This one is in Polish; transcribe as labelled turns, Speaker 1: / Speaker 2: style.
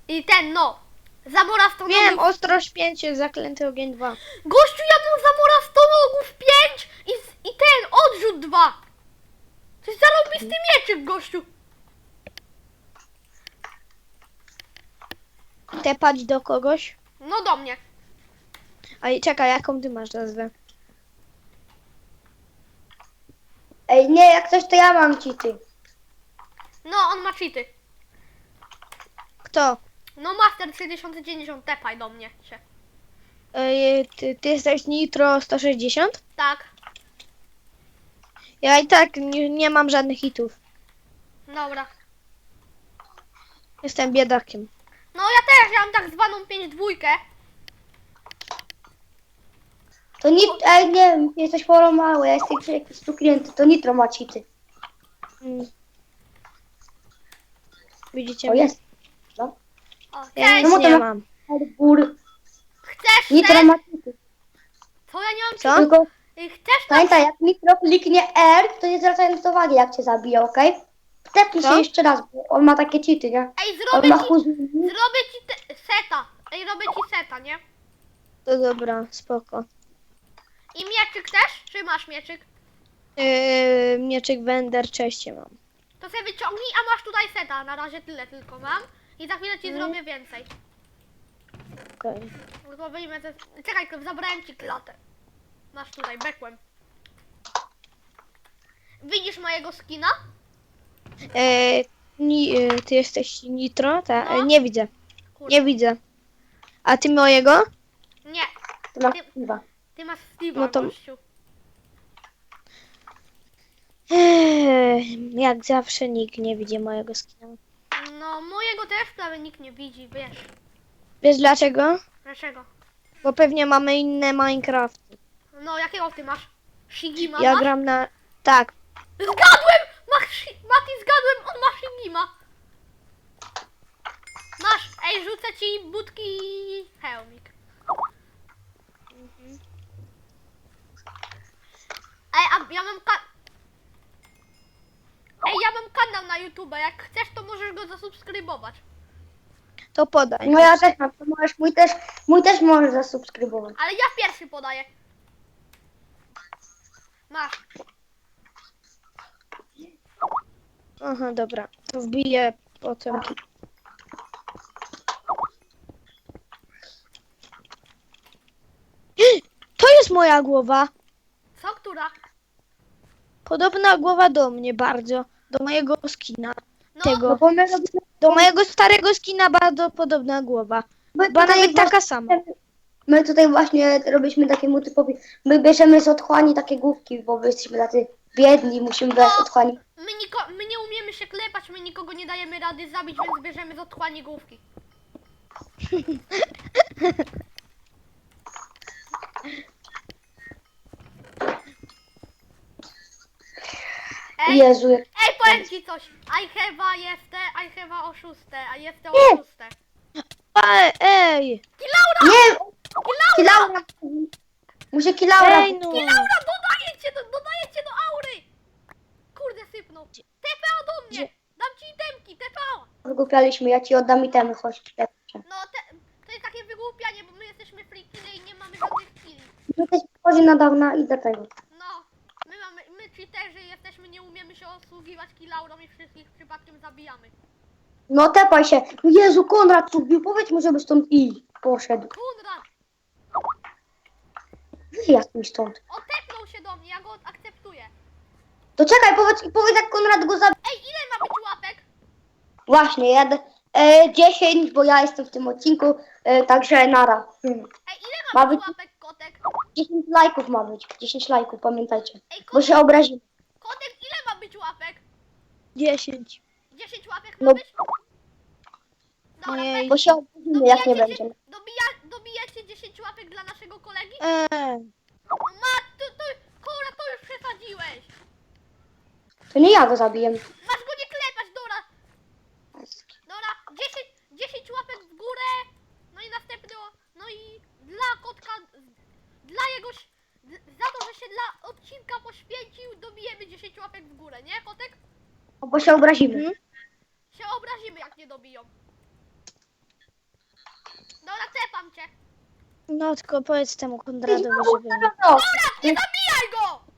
Speaker 1: I ten, no. Zamora stonogów.
Speaker 2: Wiem, ostrość 5, zaklęty ogień 2.
Speaker 1: Gościu, ja mam zamora stonogów 5 i ten, odrzut 2. To jest zarąbisty mieczyk, gościu.
Speaker 2: Tepać do kogoś.
Speaker 1: No do mnie.
Speaker 2: A czekaj, jaką ty masz nazwę?
Speaker 3: Ej, nie, jak coś to ja mam cheaty.
Speaker 1: No, on ma cheaty.
Speaker 2: Kto?
Speaker 1: No, Master 3090, tepaj do mnie się.
Speaker 2: Ty jesteś Nitro 160?
Speaker 1: Tak.
Speaker 2: Ja i tak nie mam żadnych hitów.
Speaker 1: Dobra.
Speaker 2: Jestem biedakiem.
Speaker 1: No, ja też, ja mam tak zwaną 5-2.
Speaker 3: To ej, nie, jesteś poro mały, ja jestem jakiś tu klienty, to Nitro ma cheaty.
Speaker 2: Mm. Widzicie
Speaker 3: O,
Speaker 2: mnie?
Speaker 3: jest. No.
Speaker 1: O,
Speaker 2: Ja
Speaker 1: cześć.
Speaker 2: nic
Speaker 3: No to
Speaker 2: nie
Speaker 3: ma-
Speaker 2: mam.
Speaker 3: Gór.
Speaker 1: Chcesz
Speaker 3: Nitro
Speaker 1: ten?
Speaker 3: ma cheaty.
Speaker 1: Co, ja nie mam
Speaker 2: Co?
Speaker 3: Tylko
Speaker 1: Chcesz na...
Speaker 3: pamiętaj, jak Nitro kliknie R, to nie zwracając uwagi, jak cię zabije, okej? Wtepnij się
Speaker 2: Co?
Speaker 3: jeszcze raz, bo on ma takie cheaty, nie?
Speaker 1: Ej,
Speaker 3: On ma
Speaker 1: zrobię ci seta. Ej, robię ci seta, nie?
Speaker 2: To dobra, spoko.
Speaker 1: I mieczyk też? Czy masz mieczyk?
Speaker 2: Mieczyk Wender, cześć mam.
Speaker 1: To sobie wyciągnij, a masz tutaj seta. Na razie tyle tylko mam. I za chwilę ci zrobię więcej.
Speaker 2: Okej.
Speaker 1: No to wyjmę te... Czekaj, zabrałem ci klatę. Masz tutaj, bekłem. Widzisz mojego skina?
Speaker 2: Ty jesteś Nitro?
Speaker 1: No.
Speaker 2: Nie widzę.
Speaker 1: Kurde.
Speaker 2: Nie widzę. A ty mojego?
Speaker 1: Nie,
Speaker 3: To ma chyba.
Speaker 1: ty masz Steve'a,
Speaker 2: No to-
Speaker 1: gościu.
Speaker 2: Jak zawsze nikt nie widzi mojego skina.
Speaker 1: No, mojego też prawie nikt nie widzi, wiesz.
Speaker 2: Wiesz dlaczego?
Speaker 1: Dlaczego?
Speaker 2: Bo pewnie mamy inne Minecrafty.
Speaker 1: No, jakiego ty masz? Shigima
Speaker 2: Ja
Speaker 1: masz?
Speaker 2: gram na... Tak.
Speaker 1: Zgadłem! Mati, zgadłem, on ma Shigima. Masz, ej, rzucę ci budki i hełmik. Ej, a ja mam Ej, ja mam kanał na YouTube, jak chcesz, to możesz go zasubskrybować.
Speaker 2: To podaj.
Speaker 3: No ja też mam, to możesz, mój też możesz zasubskrybować.
Speaker 1: Ale ja pierwszy podaję. Masz.
Speaker 2: Aha, dobra. To wbiję potem. To jest moja głowa.
Speaker 1: Co, która?
Speaker 2: Podobna głowa do mnie bardzo. Do mojego skina.
Speaker 1: No,
Speaker 2: Tego.
Speaker 3: No bo my robimy,
Speaker 2: Do mojego starego skina bardzo podobna głowa.
Speaker 3: my
Speaker 2: Chyba
Speaker 3: tutaj
Speaker 2: nawet taka sama.
Speaker 3: My tutaj właśnie robiliśmy takiemu typowi, my bierzemy z otchłani takie główki, bo my jesteśmy tacy biedni, musimy brać z otchłani.
Speaker 1: my nie umiemy się klepać, my nikogo nie dajemy rady zabić, więc bierzemy z otchłani główki. Ej,
Speaker 3: Jezu, jak...
Speaker 1: ej, powiem ci coś. I have oszuste, a jestem
Speaker 3: Nie.
Speaker 1: oszuste.
Speaker 2: Ej!
Speaker 1: Kilaura!
Speaker 3: Nie! Kilaura! Muszę Kilaura.
Speaker 2: Ej no!
Speaker 1: Kilaura, dodaję cię do aury! Kurde, sypnął. TPA do mnie! Dam ci itemki, TPA!
Speaker 3: Wygłupialiśmy, ja ci oddam itemy, chodź.
Speaker 1: No, to jest takie wygłupianie, bo my jesteśmy free kille i nie mamy żadnych killi.
Speaker 3: My też wchodzi na dawna i do tego.
Speaker 1: No, my cheaterzy jesteśmy, nie umiemy się osługiwać kilaurą i wszystkich przypadkiem zabijamy.
Speaker 3: No tepaj się. No Jezu, Konrad tu wbił, powiedz mu, żeby stąd i poszedł.
Speaker 1: Konrad,
Speaker 3: Wyjazd mi stąd.
Speaker 1: otepnął się do mnie, ja go akceptuję.
Speaker 3: To czekaj, powiedz jak Konrad go zabił.
Speaker 1: Ej, ile ma być łapek?
Speaker 3: Właśnie, jadę 10, bo ja jestem w tym odcinku, także nara.
Speaker 1: Ej, ile
Speaker 3: Ma
Speaker 1: ma być
Speaker 3: być-
Speaker 1: łapek, kotek?
Speaker 3: 10 lajków ma być, 10 lajków, pamiętajcie.
Speaker 1: Ej,
Speaker 3: Bo
Speaker 1: kotek,
Speaker 3: się obrazimy.
Speaker 1: kotek, ile ma być łapek?
Speaker 2: 10.
Speaker 1: 10 łapek
Speaker 3: No.
Speaker 1: ma być?
Speaker 2: Ojej.
Speaker 3: Bo się obrazimy, jak nie będzie.
Speaker 1: Dobijacie 10 łapek dla naszego kolegi?
Speaker 2: Ej.
Speaker 1: Kora, to już przesadziłeś.
Speaker 3: To nie ja go zabiję.
Speaker 1: Masz go nie klepać, Dora. Dora, 10 łapek w górę. No i następne, no i dla kotka, za to, że się dla odcinka poświęcił, dobijemy 10 łapek w górę, nie, kotek?
Speaker 3: Bo się obrazimy.
Speaker 1: Się obrazimy, jak nie dobiją. Dobra, cepam cię.
Speaker 2: No tylko powiedz temu Konradowi, żeby...
Speaker 3: No,
Speaker 1: Nie zabijaj go!